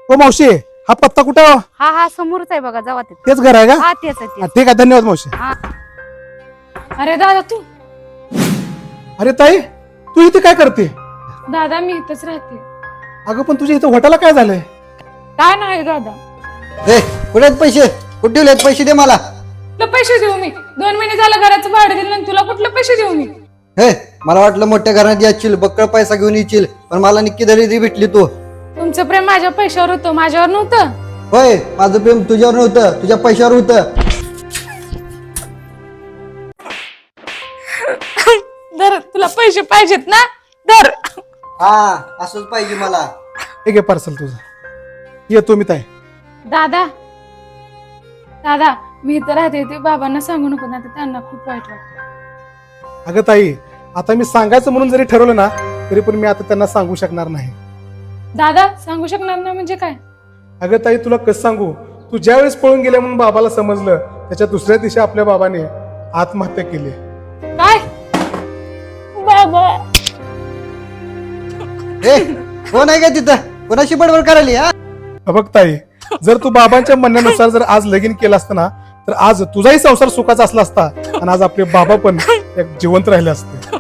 हो मावशी, हा पत्ता कुठे हो? हा हा समोरच आहे बघा, जावा तिथे. तेच घर आहे का? हा तेच आहे हा, तेच. ठीक आहे, धन्यवाद मावशी. हा. अरे दादा तू. अरे ताई, तू इथे काय करते? दादा मी इथंच राहते. अगं पण तुझ्या इथं हॉटेलला काय झालंय? काय नाही दादा. ए कुठे आहेत पैसे? कुठे ठेवलेत पैसे? दे मला. तुला पैसे देऊ मी? 2 महिने झालं घराचं भाडं दिलं आणि तुला कुठलं पैसे देऊ मी? हे मला वाटलं मोठ्या घरात यायची बक्कळ पैसा घेऊन येशील, पण मला निक्की दरिद्री भेटली तू. तुमचं प्रेम माझ्या पैशावर होतं, माझ्यावर नव्हतं. होय, माझं प्रेम तुझ्यावर नव्हतं, तुझ्या पैशावर होतं. धर, तुला पैसे पाहिजेत ना? धर. हा असंच पाहिजे मला. हे घे पार्सल तुझं. येतो मी ताई. दादा दादा मी इथं राहते, ते बाबांना सांगू नको ना, त्यांना खूप वाईट वाटतं. अगं ताई, आता मी सांगायचं म्हणून जरी ठरवलं ना, तरी पण मी आता त्यांना सांगू शकणार नाही. दादा सांगू शकणार ना म्हणजे काय? अगं ताई, तुला कसं सांगू, तू ज्या वेळेस पळून गेल्या म्हणून बाबाला समजलं, त्याच्या दुसऱ्या दिवशी आपल्या बाबाने आत्महत्या केली. काय बाबा? ए कोण आहे का तिथं? कोणाशी बडबड करायली? हा बघ ताई, जर तू बाबांच्या म्हणण्यानुसार जर आज लगीन केलं असतं ना, तर आज तुझाही संसार सुखाचा असला असता आणि आज आपले बाबा पण एक जिवंत राहिले असते.